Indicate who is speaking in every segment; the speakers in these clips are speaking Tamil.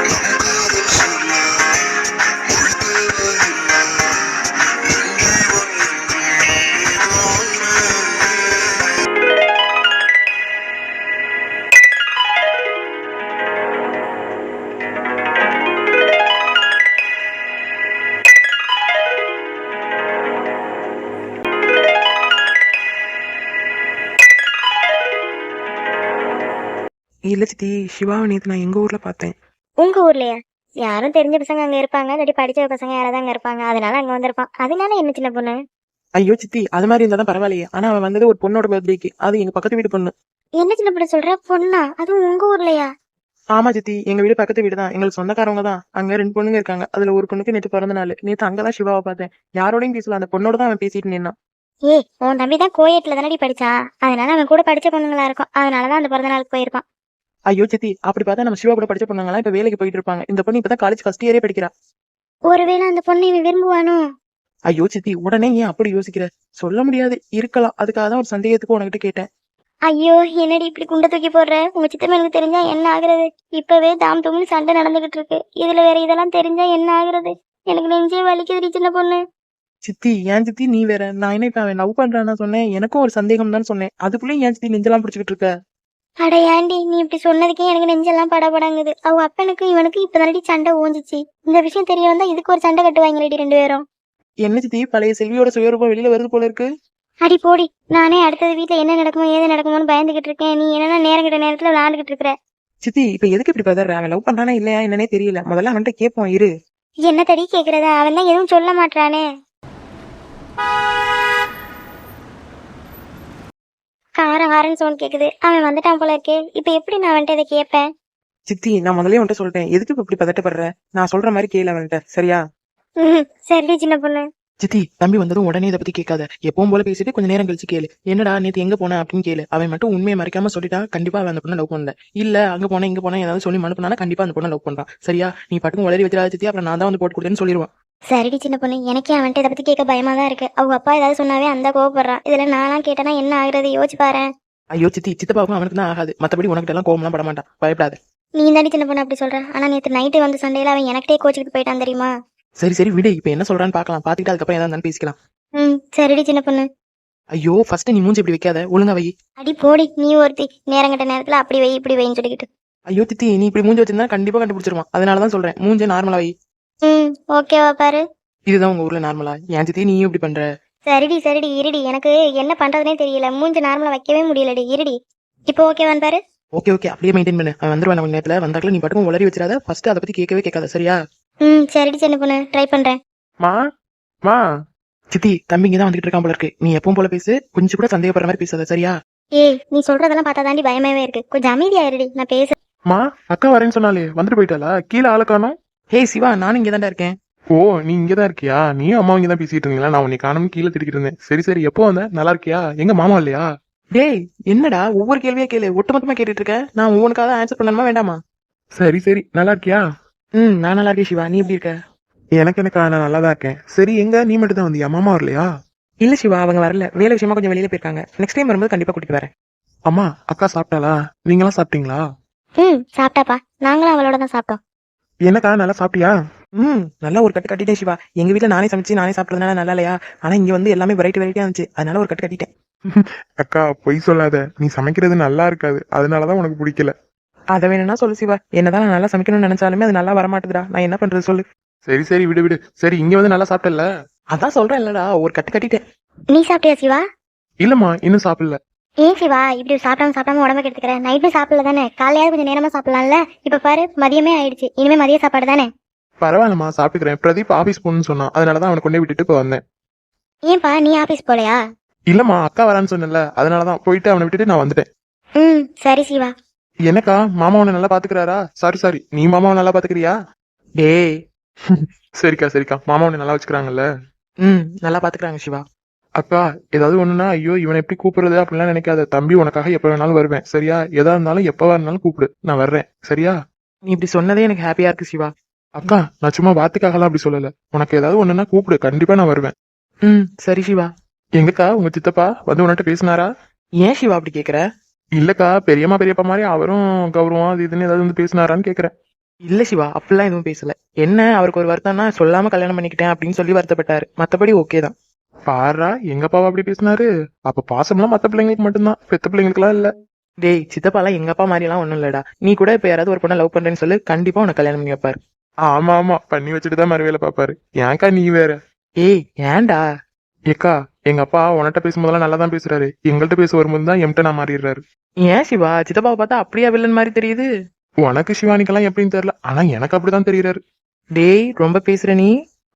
Speaker 1: இல்ல சித்தி, சிவாவை நேத்து நான் எங்க ஊர்ல பார்த்தேன்.
Speaker 2: உங்க ஊர்லயா? யாரும் தெரிஞ்ச பசங்க அங்க இருப்பாங்க, இல்லாட்டி படிச்ச பசங்க யாராவது அங்க இருப்பாங்க, அதனால அங்க வந்திருப்பான். அதனால என்ன சின்ன பொண்ணு?
Speaker 1: ஐயோ சித்தி, அது மாதிரி இருந்தா தான் பரவாயில்லையே. ஆனா அவன் வந்தது ஒரு பொண்ணோட பர்த்டேக்கு, அது எங்க பக்கத்து வீட்டு பொண்ணு.
Speaker 2: என்ன சின்ன பொண்ணு சொல்ற? பொண்ணா? அதுவும் உங்க ஊர்லயா?
Speaker 1: ஆமா சித்தி, எங்க வீடு பக்கத்து வீடு தான், எங்களுக்கு சொந்தக்காரவங்க தான். அங்க 2 பொண்ணுங்க இருக்காங்க. அதுல ஒரு பொண்ணுக்கு நேற்று பிறந்த நாள். நேத்து அங்கதான் சிவாவை பார்த்தேன். யாரோடையும் பேசல, அந்த பொண்ணோட தான் அவன் பேசிட்டு நின்னான்.
Speaker 2: ஏய், உன் தம்பி தான் கோயட்ல தானடி படிச்சா, அதனால அவன் கூட படிச்ச பொண்ணுங்களா இருக்கும், அதனாலதான் அந்த பிறந்த நாளுக்கு போயிருப்பான்.
Speaker 1: ஐயோ சித்தி, அப்படி பார்த்தா நம்ம சிவா கூட படிச்ச பொண்ணுங்களாம் இப்ப வேலைக்கு போயிட்டு இருப்பாங்க. இந்த பொண்ணு இப்பதான் காலேஜ் ஃபர்ஸ்ட் இயரே படிக்கிறா.
Speaker 2: ஒருவேளை அந்த பொண்ணை இவன் விரும்புவானோ?
Speaker 1: ஐயோ சித்தி, உடனே ஏன் அப்படி யோசிக்கிற? சொல்ல முடியாது, இருக்கலாம். அதுக்காக தான் ஒரு சந்தேகத்துக்கு உனக்கிட்ட கேட்டேன்.
Speaker 2: ஐயோ, என்னடி இப்படி குண்டை தூக்கி போடுற? உங்க சித்தம்மனுக்கு தெரிஞ்சா என்ன ஆகுறது? இப்பவே தாம் தும்னு சண்டை நடந்துகிட்டு இருக்கு, இதுல வேற இதெல்லாம் தெரிஞ்சா என்ன ஆகுறது? எனக்கு நெஞ்சே வலிக்குதுடி சின்ன பொண்ணு.
Speaker 1: சித்தி, ஏன் சித்தி நீ வேற? நான் என்ன இப்ப அவன் லவ் பண்றான்னு சொன்னேன், எனக்கும் ஒரு சந்தேகம் தான் சொன்னேன். அதுக்குள்ளேயும் ஏன் சித்தி நெஞ்செல்லாம் பிடிச்சிக்கிட்டு இருக்க?
Speaker 2: அட ஏண்டி, நீ இப்படி சொன்னதுக்கே எனக்கு நெஞ்செல்லாம் படபடங்குது. அவ அப்பனுக்கு இவனுக்கு இப்பதானடி சண்டை ஓஞ்சிச்சு. இந்த விஷயம் தெரிய வந்தா இதுக்கு ஒரு சண்டை கட்டுவாங்களேடி 2 பேரும்.
Speaker 1: என்ன சித்தி, பழைய செல்வியோட சுயரூபம் வெளியில வருது போல இருக்கு.
Speaker 2: அடி போடி, நானே அடுத்தது வீட்டுல என்ன நடக்குமோ ஏது நடக்குமோன்னு பயந்துகிட்டு இருக்கேன். நீ என்னன்னா நேரம் கிட்ட நேரத்துல விளையாண்டுகிட்டு இருக்கிற.
Speaker 1: சித்தி, இப்ப எதுக்கு இப்படி பதற? அவன் லவ் பண்றானா இல்லையா என்னன்னே தெரியல. முதல்ல அவன்கிட்ட கேட்போம் இரு.
Speaker 2: என்ன தடி கேக்குறதா? அவன் தான் எதுவும் சொல்ல மாட்டானே. காரன் சவுண்ட் கேக்குது. அவன் வந்துட்டான் போல இருக்கே. இப்ப எப்படி நான் அவன்கிட்ட இதை கேட்பேன்?
Speaker 1: சித்தி, நான் முதல்ல அவன்கிட்ட சொல்லிட்டேன், எதுக்கு இப்ப இப்படி பதட்டப்படுற? நான் சொல்ற மாதிரி கேளு அவன்கிட்ட, சரியா?
Speaker 2: சரிடி சின்ன பொண்ணு.
Speaker 1: சித்தி, தம்பி வந்ததும் உடனே இதை பத்தி கேட்காத. எப்பவும் போல பேசிட்டு கொஞ்ச நேரம் கழிச்சு கேளு. என்னடா நேத்து எங்க போன அப்படின்னு கேளு. அவன் மட்டும் உண்மையை மறைக்காம சொல்லிட்டா கண்டிப்பா அவன் அந்த பொண்ணை லவ் பண்ணல. இல்ல அங்க போன இங்க போன ஏதாவது சொல்லி மனுப்பினா கண்டிப்பா அந்த பொண்ணை லவ் பண்றான். சரியா? நீ பாட்டுக்கும் உளறி வச்சிடாத சித்தி, அப்புறம் நான் தான் வந்து போட்டு கொடுத்தேன்னு சொல்லிடுவான்.
Speaker 2: சரிடி சின்ன பொண்ணு, எனக்கே அவன்கிட்ட இதை பத்தி கேட்க பயமா தான் இருக்கு. அவங்க அப்பா ஏதாவது சொன்னாவே அந்த கோவப்படுறான். இதுல நான்லாம் கேட்டனா என்ன ஆகுறது? யோசிச்சு பாரு.
Speaker 1: ஐயோ சித்தி, சித்தப்பாவுக்கும் அவனுக்கு தான் ஆகாது. மத்தபடி உனக்கிட்ட எல்லாம் கோவம்லாம் பட மாட்டான், பயப்படாத.
Speaker 2: நீ தாண்டி சின்ன பொண்ணு அப்படி சொல்ற. ஆனா நேத்து நைட்டு வந்து சண்டையில அவன் எனக்கிட்டே கோச்சிக்கிட்டு போயிட்டான் தெரியுமா?
Speaker 1: சரி சரி விடு, இப்ப என்ன சொல்றான்னு பாக்கலாம். பாத்துக்கிட்டு அதுக்கப்புறம் ஏதாவது பேசிக்கலாம்.
Speaker 2: சரிடி சின்ன பொண்ணு.
Speaker 1: ஐயோ, ஃபர்ஸ்ட் நீ மூஞ்சி இப்படி வைக்காத, ஒழுங்கா வை.
Speaker 2: அடி போடி, நீ ஒருத்தி நேரங்கட்ட நேரத்துல அப்படி வை இப்படி வைன்னு சொல்லிக்கிட்டு.
Speaker 1: ஐயோ சித்தி, நீ இப்படி மூஞ்சி வச்சிருந்தா கண்டிப்பா கண்டுபிடிச்சிருவான். அதனாலதான் சொல்றேன், மூஞ்ச நார்மலா வை.
Speaker 2: ஓகேவா பாரு.
Speaker 1: இதுதான் உங்க ஊர்ல நார்மலா? ஏன் சித்தி நீயும் இப்படி பண்ற?
Speaker 2: சரிடி இருடி, எனக்கு என்ன பண்றதுனே தெரியல. மூஞ்சி நார்மலா வைக்கவே முடியலடி. இருடி, இப்போ ஓகேவான் பாரு.
Speaker 1: ஓகே ஓகே, அப்படியே மெயின்டைன் பண்ணு. அவன் வந்துருவான் கொஞ்ச நேரத்துல. வந்தாக்கல நீ பாட்டுக்கும் உளறி வச்சிடாத. ஃபர்ஸ்ட் அதை பத்தி கேட்கவே கேட்காத, சரியா?
Speaker 2: சரிடி சின்ன பொண்ணு, ட்ரை பண்றேன்.
Speaker 1: மா சித்தி, தம்பி இங்கதான் வந்துட்டு இருக்கான் போல இருக்கு. நீ எப்பவும் போல பேசு, கொஞ்சம் கூட சந்தேகப்படுற மாதிரி பேசாத, சரியா?
Speaker 2: ஏய், நீ சொல்றதெல்லாம் பார்த்தா தாண்டி பயமாவே இருக்கு. கொஞ்சம் அமைதியாயிருடி, நான் பேச.
Speaker 3: மா, அக்கா வரேன்னு சொன்னாலே வந்துட்டு போயிட்டாளா? கீழே ஆளை காணோம்.
Speaker 1: ஹே சிவா, நானும் இங்கதான்டா இருக்கேன்.
Speaker 3: ஓ, நீ இங்கதான் இருக்கியா? நீயும் அம்மா இங்கதான் பேசிட்டு இருந்தீங்களா? நான் உன்னை காணும் கீழே திட்டிக்கிட்டு இருந்தேன். சரி சரி, எப்போ வந்த? நல்லா இருக்கியா? எங்க மாமா இல்லையா?
Speaker 1: டேய், என்னடா ஒவ்வொரு கேள்வியா கேளு, ஒட்டுமொத்தமா கேட்டுட்டு இருக்க. நான் ஒவ்வொன்றுக்காக ஆன்சர் பண்ணணுமா வேண்டாமா?
Speaker 3: சரி சரி, நல்லா இருக்கியா?
Speaker 1: நான் நல்லா இருக்கேன் சிவா, நீ எப்படி இருக்க?
Speaker 3: எனக்கு நான் நல்லா தான் இருக்கேன். சரி, எங்க நீ மட்டும் தான் வந்தியா? மாமா வரலையா?
Speaker 1: இல்ல சிவா, அவங்க வரல. வேலை விஷயமா கொஞ்சம் வெளியில போயிருக்காங்க. நெக்ஸ்ட் டைம் வரும்போது கண்டிப்பா கூட்டிட்டு வரேன்.
Speaker 3: அம்மா, அக்கா சாப்பிட்டாளா? நீங்களாம் சாப்பிட்டீங்களா?
Speaker 2: சாப்பிட்டாப்பா, நாங்களும் அவளோட தான் சாப்பிட்டோம்.
Speaker 3: என்னக்கா, நல்லா சாப்பிட்டியா?
Speaker 1: நல்லா ஒரு கட்டு கட்டிட்டேன் சிவா. எங்க வீட்டுல நானே சமைச்சு நானே சாப்பிட்டதுனால நல்லா இல்லையா? ஆனா இங்க வந்து எல்லாமே வெரைட்டியா இருந்துச்சு, அதனால ஒரு கட்டு கட்டிட்டேன்.
Speaker 3: அக்கா பொய் சொல்லாத, நீ சமைக்கிறது நல்லா இருக்காது, அதனாலதான் உனக்கு பிடிக்கல.
Speaker 1: அதை வேணும்னா சொல்லு சிவா. என்னதான் நான் நல்லா சமைக்கணும்னு நினைச்சாலுமே அது நல்லா வரமாட்டுதுடா. நான் என்ன பண்றது சொல்லு.
Speaker 3: சரி சரி, விடு விடு. சரி, இங்க வந்து நல்லா சாப்பிட்டல?
Speaker 1: அதான் சொல்றேன் இல்லடா, ஒரு கட்டு கட்டிட்டேன்.
Speaker 2: நீ சாப்பிட்டியா சிவா?
Speaker 3: இல்லம்மா, இன்னும் சாப்பிடல.
Speaker 2: ஏன் சிவா இப்படி சாப்பிடாம உடம்பு கெடுத்துக்கிற? நைட்டும் சாப்பிடல தானே? காலையாவது கொஞ்சம் நேரமா சாப்பிடலாம்ல? இப்ப பாரு, மதியமே ஆயிடுச்சு. இனிமே மதிய சாப்பாடு தானே?
Speaker 3: பரவாயில்லம்மா, சாப்பிட்டுக்கிறேன். பிரதீப் ஆபீஸ் போகணும்னு சொன்னான், அதனாலதான் அவனை கொண்டே விட்டுட்டு இப்போ வந்தேன்.
Speaker 2: ஏன்பா, நீ ஆபீஸ் போலையா?
Speaker 3: இல்லம்மா, அக்கா வரான்னு சொன்னல, அதனாலதான் போயிட்டு அவனை விட்டுட்டு நான் வந்துட்டேன்.
Speaker 2: சரி சிவா.
Speaker 3: எனக்கா மாமா உன்னை நல்லா பாத்துக்கிறாரா? சாரி, நீ மாமாவை நல்லா பாத்துக்கிறியா?
Speaker 1: டேய்.
Speaker 3: சரிக்கா, மாமா உன்னை நல்லா வச்சுக்கிறாங்கல்ல?
Speaker 1: நல்லா பாத்துக்கிறாங்க சிவா.
Speaker 3: அக்கா, ஏதாவது ஒண்ணுன்னா ஐயோ இவனை எப்படி கூப்பிடுறது அப்படிலாம் நினைக்காத. தம்பி உனக்காக எப்ப வேணாலும் வருவேன், சரியா? எதா இருந்தாலும் எப்பவா இருந்தாலும் கூப்பிடு, நான் வர்றேன், சரியா?
Speaker 1: நீ இப்படி சொன்னதே எனக்கு ஹாப்பியா இருக்கு சிவா.
Speaker 3: அக்கா, நான் சும்மா வாத்துக்காகலாம் அப்படி சொல்லல. உனக்கு ஏதாவது ஒண்ணுன்னா கூப்பிடு, கண்டிப்பா நான் வருவேன்.
Speaker 1: சரி சிவா.
Speaker 3: எங்கக்கா உங்க சித்தப்பா வந்து உன்கிட்ட பேசினாரா?
Speaker 1: ஏன் சிவா அப்படி கேக்குற?
Speaker 3: இல்லக்கா, பெரியப்பா மாதிரி அவரும் கௌரவம் அது இதுன்னு ஏதாவது வந்து பேசினாரான்னு கேக்குறேன்.
Speaker 1: இல்ல சிவா, அப்படிலாம் எதுவும் பேசல. என்ன அவருக்கு ஒரு வருத்தம்னா சொல்லாம கல்யாணம் பண்ணிக்கிட்டேன் அப்படின்னு சொல்லி வருத்தப்பட்டாரு. மத்தபடி ஓகே தான்.
Speaker 3: பாரா எங்க அப்பாவா அப்படி பேசினாரு. அப்ப பாசம்லாம் மத்த பிள்ளைங்களுக்கு மட்டும்தான், பெத்த பிள்ளைங்களுக்குலாம் இல்ல.
Speaker 1: டேய் சித்தப்பாலாம் எங்க அப்பா மாதிரிலாம் ஒண்ணும் இல்லடா. நீ கூட இப்ப யாராவது ஒரு பொண்ணை லவ் பண்றேன்னு சொல்லு, கண்டிப்பா உனக்கு கல்யாணம் பண்ணி வைப்பாரு.
Speaker 3: ஆமா ஆமா, பண்ணி வச்சுட்டு தான் மறுவேலை பாப்பாரு. ஏன்க்கா நீ வேற.
Speaker 1: ஏய் ஏன்டா?
Speaker 3: ஏக்கா, எங்க அப்பா உன்கிட்ட பேசும்போதெல்லாம் நல்லா தான் பேசுறாரு, எங்கள்கிட்ட பேச வரும்போது தான் எம்கிட்ட நான் மாறிடுறாரு.
Speaker 1: ஏன் சிவா, சித்தப்பாவை பார்த்தா அப்படியா வில்லன் மாதிரி தெரியுது?
Speaker 3: உனக்கு சிவானிக்கெல்லாம் எப்படின்னு தெரியல, ஆனா எனக்கு அப்படிதான் தெரியறாரு.
Speaker 1: டேய் ரொம்ப பேசுற நீ.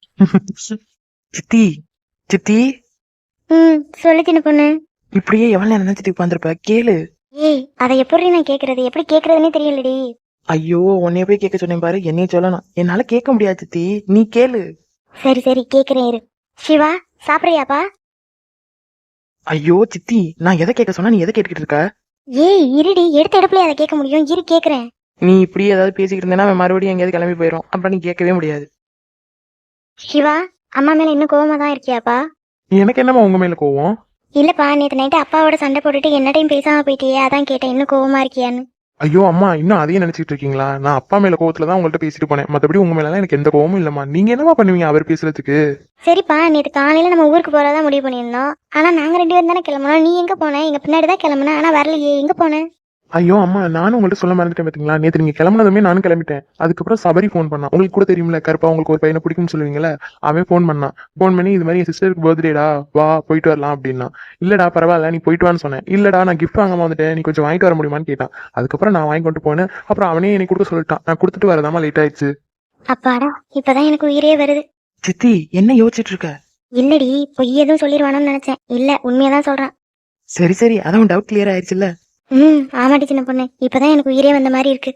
Speaker 1: சித்தி, சித்தி,
Speaker 2: சொல்லு சின்ன பொண்ணு.
Speaker 1: இப்படியே எவ்வளவு நேரம் நினைச்சிட்டு உட்காந்துருப்ப, கேளு.
Speaker 2: ஏய் அதை எப்படி நான் கேக்குறது, எப்படி கேக்குறதுன்னே தெரியலடி.
Speaker 1: ஐயோ, உன்னைய போய் கேட்க சொன்னேன் பாரு, என்னைய சொல்லணும். என்னால கேட்க முடியாது சித்தி, நீ கேளு.
Speaker 2: சரி சரி கேக்குறேன் இரு. சிவா சாப்பிடுறியாப்பா?
Speaker 1: ஐயோ சித்தி, நான் எதை கேட்க சொன்னா நீ எதை கேட்டுக்கிட்டு இருக்க?
Speaker 2: ஏய் இருடி, எடுத்த எடுப்புல அதை கேட்க முடியும், இரு கேக்குறேன்.
Speaker 1: நீ இப்படி ஏதாவது பேசிக்கிட்டு இருந்தேன்னா அவன் மறுபடியும் எங்கேயாவது கிளம்பி போயிடும், அப்புறம் நீ கேட்கவே முடியாது.
Speaker 2: சிவா அம்மா மேல இன்னும் கோவமா தான் இருக்கியாப்பா?
Speaker 3: எனக்கு என்னம்மா உங்க மேல கோவம்?
Speaker 2: இல்லப்பா, நேத்து நைட்டு அப்பாவோட சண்டை போட்டுட்டு என்னடையும் பேசாம போயிட்டியே, அதான் கேட்டேன் இன்னும் கோவமா இருக்கியான்னு.
Speaker 3: ஐயோ அம்மா, இன்னும் அதையும் நினைச்சிட்டு இருக்கீங்களா? நான் அப்பா மேல கோவத்துல தான் உங்கள்ட்ட பேசிட்டு போனேன், மத்தபடி உங்க மேல எனக்கு எந்த கோவமும் இல்லம்மா. நீங்க என்னமா பண்ணுவீங்க அவர் பேசுறதுக்கு?
Speaker 2: சரிப்பா, நேத்து காலையில நம்ம ஊருக்கு போறதா முடிவு பண்ணியிருந்தோம். ஆனா நாங்க 2 பேரும் தானே கிளம்பணும். நீ எங்க போன? எங்க பின்னாடி தான் கிளம்புன, ஆனா வரலையே, எங்க போன?
Speaker 3: ஐயோ அம்மா, நானும் உங்கள்ட்ட சொல்ல மறந்துட்டேன் பாத்தீங்களா. நேத்து நீங்க கிளம்புனதுமே நானும் கிளம்பிட்டேன். அதுக்கப்புறம் சபரி ஃபோன் பண்ணான். உங்களுக்கு கூட தெரியுமில்ல, கருப்பா உங்களுக்கு ஒரு பையனை பிடிக்கும்னு சொல்லுவீங்கல்ல, அவன் ஃபோன் பண்ணான். ஃபோன் பண்ணி இது மாதிரி என் சிஸ்டருக்கு பர்த்டேடா, வா போயிட்டு வரலாம் அப்படின்னா. இல்லடா பரவாயில்ல, நீ போயிட்டு வான்னு சொன்னேன். இல்லடா நான் கிஃப்ட் வாங்காம வந்துட்டேன், நீ கொஞ்சம் வாங்கிட்டு வர முடியுமான்னு கேட்டான். அதுக்கப்புறம் நான் வாங்கி கொண்டு போனேன். அப்புறம் அவனே என்னை கொடுக்க சொல்லிட்டான். நான் கொடுத்துட்டு வரதாமா லேட் ஆயிடுச்சு.
Speaker 2: அப்பாடா, இப்பதான் எனக்கு உயிரே வருது.
Speaker 1: சித்தி, என்ன யோசிச்சுட்டு இருக்க?
Speaker 2: இல்லடி, பொய் எதுவும் சொல்லிடுவானோன்னு நினைச்சேன். இல்ல, உண்மையாதான் சொல்றான்.
Speaker 1: சரி சரி, அதான் டவுட் கிளியர் ஆயிடுச்சுல்ல.
Speaker 2: ஆமாடி சின்ன பொண்ணு, இப்பதான் எனக்கு உயிரே வந்த மாதிரி இருக்கு.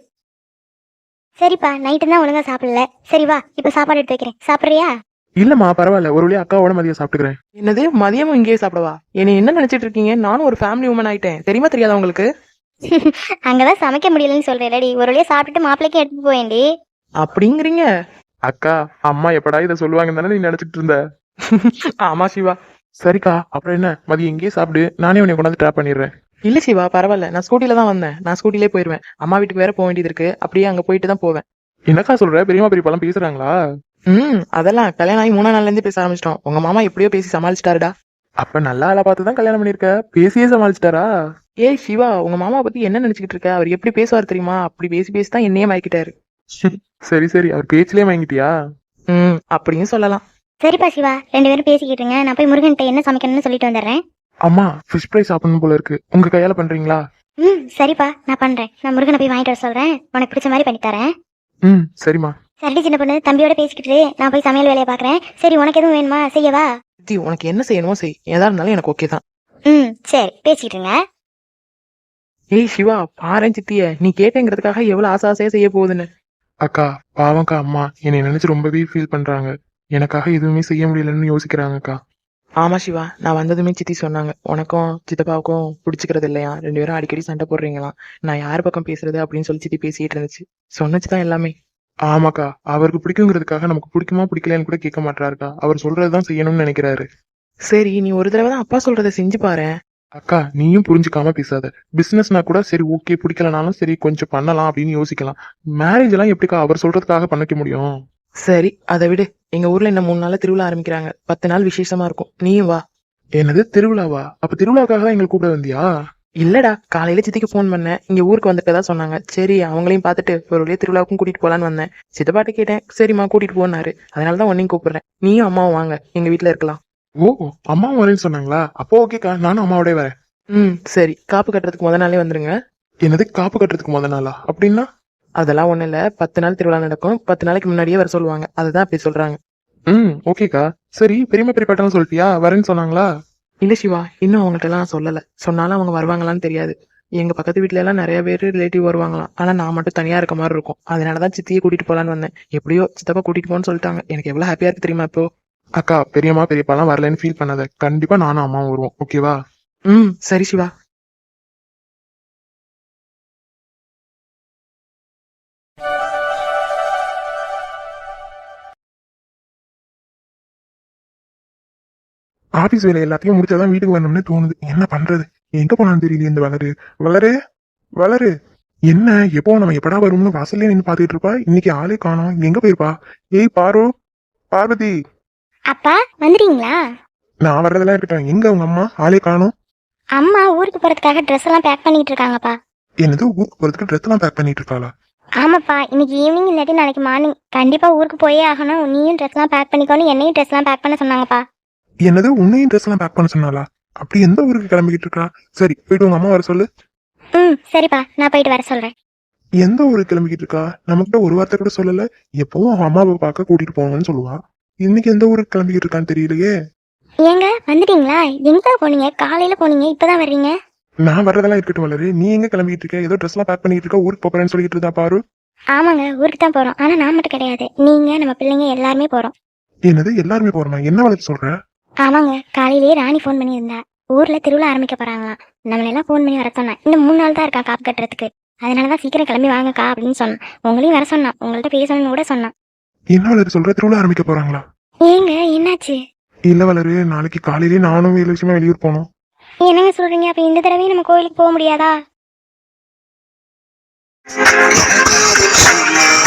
Speaker 2: சரிப்பா, நைட்டு தான் ஒழுங்கா சாப்பிடல. சரி வா, இப்ப சாப்பாடு எடுத்து வைக்கிறேன், சாப்பிடுறியா?
Speaker 3: இல்லம்மா பரவாயில்ல, ஒரு வழியா அக்காவோட மதியம் சாப்பிட்டுக்கிறேன்.
Speaker 1: என்னது, மதியமும் இங்கேயே சாப்பிடவா? என்னை என்ன நினைச்சிட்டு இருக்கீங்க? நானும் ஒரு ஃபேமிலி உமன் ஆயிட்டேன், தெரியுமா தெரியாதா உங்களுக்கு?
Speaker 2: அங்கதான் சமைக்க முடியலன்னு சொல்றேன்டி, ஒரு வழியா சாப்பிட்டுட்டு மாப்பிள்ளைக்கு எடுத்து போயேன்டி.
Speaker 1: அப்படிங்கிறீங்க?
Speaker 3: அக்கா, அம்மா எப்படா இதை சொல்லுவாங்கன்னு தானே நீ நினைச்சிட்டு இருந்த.
Speaker 1: ஆமா சிவா.
Speaker 3: சரிக்கா, அப்புறம் என்ன, மதியம் இங்கேயே சாப்பிடு, நானே உன்னை கொண்டாந்து ட்ராப் பண்ணிடுறேன்.
Speaker 1: இல்ல சிவா, பரவாயில்ல, நான் ஸ்கூட்டில தான் வந்தேன். நான் ஸ்கூட்டிலே போயிருவேன். அம்மா வீட்டுக்கு வேற போக வேண்டியது இருக்கு, அப்படியே அங்க போயிட்டு தான் போவேன்.
Speaker 3: என்னக்கா சொல்ற, பெரியமா பெரியப்பாலாம் பேசுறாங்களா?
Speaker 1: அதெல்லாம் கல்யாணம் ஆகி 3 நாள்ல இருந்தே பேச ஆரம்பிச்சிட்டோம். உங்க மாமா எப்படியோ பேசி சமாளிச்சிட்டாருடா.
Speaker 3: அப்ப நல்ல ஆளா பார்த்து தான் கல்யாணம் பண்ணிருக்க, பேசியே சமாளிச்சிட்டாரா?
Speaker 1: ஏய் சிவா, உங்க மாமா பத்தி என்ன நினைச்சுக்கிட்டு இருக்க? அவர் எப்படி பேசுவார் தெரியுமா? அப்படி பேசி பேசி தான் என்னையே மயக்கிட்டாரு.
Speaker 3: சரி சரி, அவர் பேச்சிலே வாங்கிட்டியா?
Speaker 1: அப்படின்னு சொல்லலாம்.
Speaker 2: சரிப்பா சிவா, 2 பேரும் பேசிக்கிட்டுங்க, நான் போய் முருகன்கிட்ட என்ன சமைக்கணும்னு சொல்லிட்டு வந்துடுறேன்.
Speaker 3: அம்மா, ஃபிஷ் ஃப்ரை சாப்பிடணும் போல இருக்கு, உங்க கையால பண்றீங்களா?
Speaker 2: சரிப்பா, நான் பண்றேன். நான் முருகனை போய் வாங்கிட்டு வர சொல்றேன், உனக்கு பிடிச்ச மாதிரி பண்ணி தரேன்.
Speaker 3: சரிம்மா.
Speaker 2: சரிடி சின்ன பொண்ணு, தம்பியோட பேசிக்கிட்டு நான் போய் சமையல் வேலையை பாக்குறேன். சரி, உனக்கு எதுவும் வேணுமா, செய்யவா?
Speaker 1: சித்தி, உனக்கு என்ன செய்யணுமோ செய், எதா இருந்தாலும் எனக்கு ஓகே தான்.
Speaker 2: சரி, பேசிக்கிட்டு இருங்க.
Speaker 1: ஏய் சிவா, பாரேன் சித்திய, நீ கேட்டேங்கிறதுக்காக எவ்வளவு ஆசை ஆசையா செய்ய போகுதுன்னு.
Speaker 3: அக்கா, பாவம்க்கா, அம்மா என்னை நினைச்சு ரொம்பவே ஃபீல் பண்றாங்க. எனக்காக எதுவுமே செய்ய முடியலன்னு யோசிக்கிறாங்கக்கா.
Speaker 1: ஆமா சிவா, நான் வந்ததுமே சித்தி சொன்னாங்க, உனக்கும் சித்தப்பாவுக்கும் பிடிச்சிக்கிறது இல்லையா, 2 பேரும் அடிக்கடி சண்டை போடுறீங்களாம். நான் யார் பக்கம் பேசுறது அப்படின்னு சொல்லி சித்தி பேசிட்டு இருந்துச்சு. சொன்னச்சுதான் எல்லாமே.
Speaker 3: ஆமாக்கா, அவருக்கு பிடிக்குங்கிறதுக்காக நமக்கு பிடிக்குமா பிடிக்கலன்னு கூட கேட்க மாட்டாருக்கா. அவர் சொல்றதுதான் செய்யணும்னு நினைக்கிறாரு.
Speaker 1: சரி, நீ ஒரு தடவை தான் அப்பா சொல்றதை செஞ்சு பாரு.
Speaker 3: அக்கா, நீயும் புரிஞ்சுக்காம பேசாத. பிசினஸ்னா கூட சரி ஓகே, பிடிக்கலனாலும் சரி கொஞ்சம் பண்ணலாம் அப்படின்னு யோசிக்கலாம். மேரேஜ் எல்லாம் எப்படிக்கா அவர் சொல்றதுக்காக பண்ணிக்க முடியும்?
Speaker 1: சரி, அதை விடு. எங்க ஊர்ல இன்னும் 3 நாள்ல திருவிழா ஆரம்பிக்கிறாங்க. 10 நாள் விசேஷமா இருக்கும், நீயும் வா.
Speaker 3: என்னது திருவிழாவா? அப்ப திருவிழாக்காக தான் எங்களை கூப்பிட வந்தியா?
Speaker 1: இல்லடா, காலையில சித்திக்கு ஃபோன் பண்ணேன், இங்க ஊருக்கு வந்துட்டதா சொன்னாங்க. சரி, அவங்களையும் பார்த்துட்டு ஒரு வழியா திருவிழாவுக்கும் கூட்டிட்டு போலான்னு வந்தேன். சித்தப்பாட்ட கேட்டேன், சரிம்மா கூட்டிட்டு போனாரு. அதனாலதான் உன்னையும் கூப்பிடுறேன். நீயும் அம்மாவும் வாங்க, எங்க வீட்டுல இருக்கலாம்.
Speaker 3: ஓ, அம்மாவும் வரேன்னு சொன்னாங்களா? அப்போ ஓகேக்கா, நானும் அம்மாவோட வரேன்.
Speaker 1: சரி, காப்பு கட்டுறதுக்கு முத நாளே வந்துருங்க.
Speaker 3: என்னது, காப்பு கட்டுறதுக்கு முத நாளா? அப்படின்னா?
Speaker 1: அதெல்லாம் ஒண்ணு இல்ல, 10 நாள் திருவிழா நடக்கும். 10 நாளைக்கு முன்னாடியே வர சொல்லுவாங்க, அதுதான் அப்படி சொல்றாங்க.
Speaker 3: ஓகேக்கா. சரி, பெரியம்மா பெரியப்பாட்டெல்லாம் சொல்லிட்டியா, வரேன்னு சொன்னாங்களா?
Speaker 1: இல்ல சிவா, இன்னும் அவங்கள்ட்ட எல்லாம் சொல்லல. சொன்னாலும் அவங்க வருவாங்களான்னு தெரியாது. எங்க பக்கத்து வீட்டுல எல்லாம் நிறைய பேர் ரிலேட்டிவ் வருவாங்களாம். ஆனா நான் மட்டும் தனியா இருக்க மாதிரி இருக்கும். அதனாலதான் சித்தியை கூட்டிட்டு போலான்னு வந்தேன். எப்படியோ சித்தப்பா கூட்டிட்டு போன்னு சொல்லிட்டாங்க. எனக்கு எவ்வளவு ஹாப்பியா இருக்கு தெரியுமா இப்போ.
Speaker 3: அக்கா, பெரியம்மா பெரியப்பாலாம் வரலன்னு ஃபீல் பண்ணாத. கண்டிப்பா நானும் அம்மாவும் வருவோம், ஓகேவா?
Speaker 1: சரி சிவா.
Speaker 3: ஆபீஸ் வேலை எல்லாத்தையும் முடிச்சாதான் வீட்டுக்கு வரணும்னு தோணுது. என்ன பண்றது? எங்க போனான்னு தெரியல இந்த வளரு. வளரு, வளரு, என்ன எப்போ நம்ம எப்படா வரும்னு வாசல்லே நின்று பாத்துட்டு இருப்பா, இன்னைக்கு ஆளே காணோம். எங்க போயிருப்பா? ஏய் பாரு, பார்வதி.
Speaker 2: அப்பா வந்துட்டீங்களா?
Speaker 3: நான் வர்றதெல்லாம் இருக்கட்டும், எங்க உங்க அம்மா ஆளே காணோம்?
Speaker 2: அம்மா ஊருக்கு போறதுக்காக ட்ரெஸ் எல்லாம் பேக் பண்ணிட்டு இருக்காங்கப்பா.
Speaker 3: என்னது ஊருக்கு போறதுக்கு ட்ரெஸ் எல்லாம் பேக் பண்ணிட்டு இருக்காளா?
Speaker 2: ஆமாப்பா, இன்னைக்கு ஈவினிங் இல்லாட்டி நாளைக்கு மார்னிங் கண்டிப்பா ஊருக்கு போயே ஆகணும். நீயும் ட்ரெஸ் எல்லாம் பேக் பண்ணிக்கோன்னு என்னையும் ட்ரெஸ் எல்லாம் பேக் பண்ண சொன்னாங்கப்பா.
Speaker 3: என்னது உன்னையும் ட்ரெஸ் எல்லாம் பேக் பண்ண சொன்னாளா? அப்படி எந்த ஊருக்கு கிளம்பிக்கிட்டு இருக்கா? சரி போயிட்டு உங்க அம்மா வர சொல்லு.
Speaker 2: சரிப்பா, நான் போயிட்டு வர சொல்றேன்.
Speaker 3: எந்த ஊருக்கு கிளம்பிக்கிட்டு இருக்கா? நம்மகிட்ட ஒரு வார்த்தை கூட சொல்லல. எப்பவும் அவன் அம்மாவை பார்க்க கூட்டிட்டு போவாங்கன்னு சொல்லுவா. இன்னைக்கு எந்த ஊருக்கு கிளம்பிக்கிட்டு இருக்கான்னு தெரியலையே.
Speaker 2: ஏங்க வந்துட்டீங்களா? எங்க போனீங்க? காலையில போனீங்க, இப்பதான் வர்றீங்க?
Speaker 3: நான் வர்றதெல்லாம் இருக்கட்டும் வளரு, நீ எங்க கிளம்பிட்டு இருக்க? ஏதோ ட்ரெஸ் எல்லாம் பேக் பண்ணிட்டு இருக்க, ஊருக்கு போறேன்னு சொல்லிட்டு இருந்தா பாரு.
Speaker 2: ஆமாங்க, ஊருக்கு தான் போறோம். ஆனா நான் மட்டும் கிடையாது, நீங்க நம்ம பிள்ளைங்க எல்லாருமே போறோம்.
Speaker 3: என்னது எல்லாருமே போறோமா? என்ன வளர்த்து சொல்ற?
Speaker 2: ஆமாங்க, காலையிலேயே ராணி ஃபோன் பண்ணியிருந்தா. ஊர்ல திருவிழா ஆரம்பிக்க போறாங்களாம். நம்மளெல்லாம் ஃபோன் பண்ணி வர சொன்னா. இன்னும் 3 நாள் தான் இருக்கா காப்பு கட்டுறதுக்கு. அதனாலதான் சீக்கிரம் கிளம்பி வாங்கக்கா அப்படின்னு சொன்னான். உங்களையும் வர சொன்னான், உங்கள்ட்ட பேசணும்னு கூட சொன்னான்.
Speaker 3: என்ன வளரு சொல்ற? திருவிழா ஆரம்பிக்க போறாங்களா?
Speaker 2: ஏங்க என்னாச்சு?
Speaker 3: இல்ல வளரு, நாளைக்கு காலையிலேயே நானும் வேலை விஷயமா வெளியூர் போகணும்.
Speaker 2: என்னங்க சொல்றீங்க? அப்ப இந்த தடவையும் நம்ம கோயிலுக்கு போக முடியாதா?